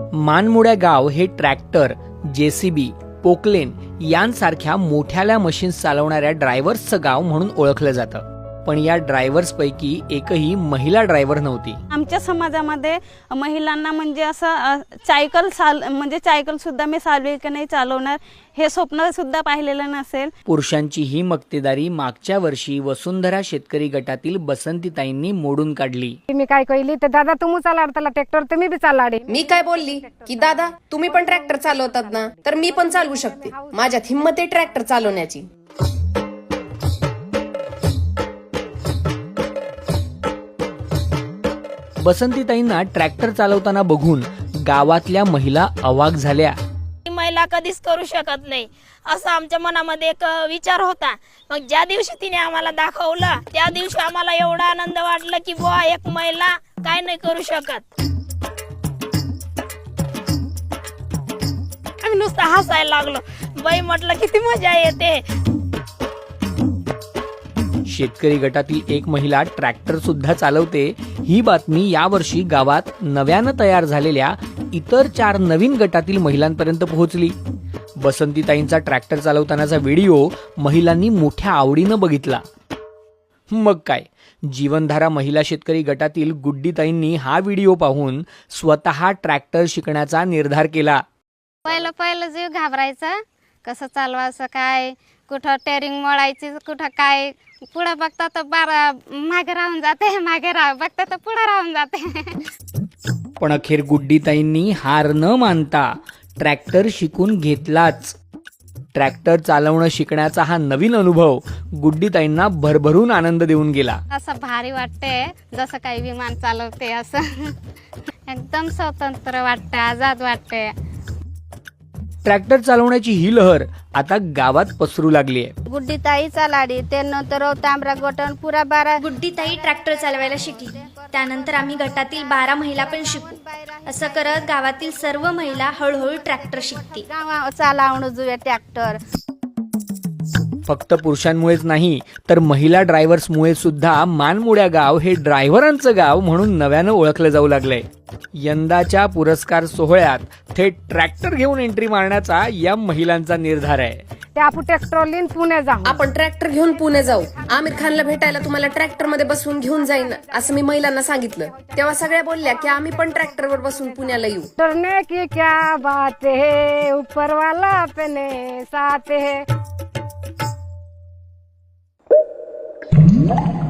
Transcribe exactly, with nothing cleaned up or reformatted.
मानमुड्या गाव हे tractor, JCB, Poclain यांसारख्या मोठ्याल्या मशीन्स चालवणाऱ्या ड्रायव्हर्सचं गाव म्हणून ओळखलं जातं. पण या ड्रायव्हर्स पैकी एकही महिला ड्रायव्हर नव्हती. आमच्या समाजामध्ये महिलांना म्हणजे असं सायकल चाल म्हणजे सायकल सुद्धा मी चालवेल की नाही चालवणार हे स्वप्न सुद्धा पाहिलेलं नसेल. पुरुषांची ही मक्तेदारी मागच्या वर्षी वसुंधरा शेतकरी गटातील बसंतीताईंनी मोडून काढली. मी काय कहली तर दादा तुम्ही चालाडताला ट्रॅक्टर तुम्ही बी चालाडे. मी काय बोलली की दादा तुम्ही पण ट्रॅक्टर चालवतात ना तर मी पण चालवू शकते. माझ्यात हिंमत आहे ट्रॅक्टर चालवण्याची. बसंतीताईंना ट्रॅक्टर चालवताना बघून गावातल्या महिला अवाक झाल्या. महिला कधीच करू शकत नाही असं आमच्या मनामध्ये एक विचार होता. मग ज्या दिवशी तिने आम्हाला दाखवलं त्या दिवशी आम्हाला एवढा आनंद वाटला की बुवा एक महिला काय नाही करू शकत. आम्ही नुसतं हसायला लागलो. बाई म्हटलं किती मजा येते. शेतकरी गटातील एक महिला ट्रॅक्टर सुद्धा चालवते ही बातमी यावर्षी गावात नव्यानं तयार झालेल्या इतर चार नवीन गटातील महिलांपर्यंत पोहोचली. बसंतीताईंचा ट्रॅक्टर चालवतानाचा व्हिडिओ महिलांनी मोठ्या आवडीनं बघितला. मग काय, जीवनधारा महिला शेतकरी गटातील गुड्डीताईंनी हा व्हिडिओ पाहून स्वतः ट्रॅक्टर शिकण्याचा निर्धार केला. पहिलं पहिलं जीव घाबरायचा, कसं चालवायचं काय, कुठं टेरिंग मोडायची, कुठं काय. पुढे बघता तर बारा मागे राहून जाते, मागे राह बघता तर पुढे राहून जाते. पण अखेर गुड्डीताईंनी हार न मानता ट्रॅक्टर शिकून घेतलाच. ट्रॅक्टर चालवणं शिकण्याचा हा नवीन अनुभव गुड्डीताईंना भरभरून आनंद देऊन गेला. असं भारी वाटते जसं काही विमान चालवते असं. एकदम स्वतंत्र वाटते, आजाद वाटते. ट्रॅक्टर चालवण्याची ही लहर आता गावात पसरू लागली आहे. गुड्डीताई चालाडी त्यानंतर तांबरा गोटन पुरा बारा. गुड्डीताई ट्रॅक्टर चालवायला शिकली. त्यानंतर आम्ही गटातील बारा महिला पण शिकू. असं करत गावातील सर्व महिला हळूहळू ट्रॅक्टर शिकते. चालावणं जुया ट्रॅक्टर. फक्त पुरुषांमुळेच नाही तर महिला ड्रायव्हर्समुळे सुद्धा मानमुड्या गाव हे ड्रायव्हरांचं गाव म्हणून नव्यानं ओळखलं जाऊ लागलंय. यंदाच्या पुरस्कार सोहळ्यात थेट ट्रॅक्टर घेऊन एंट्री मारण्याचा या महिलांचा निर्धार आहे. ते आपण ट्रॅक्टर लिन पुणे जाऊ. आपण ट्रॅक्टर घेऊन पुणे जाऊ. आमिर खानला भेटायला तुम्हाला ट्रॅक्टर मध्ये बसवून घेऊन जाईन असं मी महिलांना सांगितलं. तेव्हा सगळ्या बोलल्या की आम्ही पण ट्रॅक्टरवर बसून पुण्याला येऊ. डरने की क्या बात है, ऊपर वाला अपने साथ है.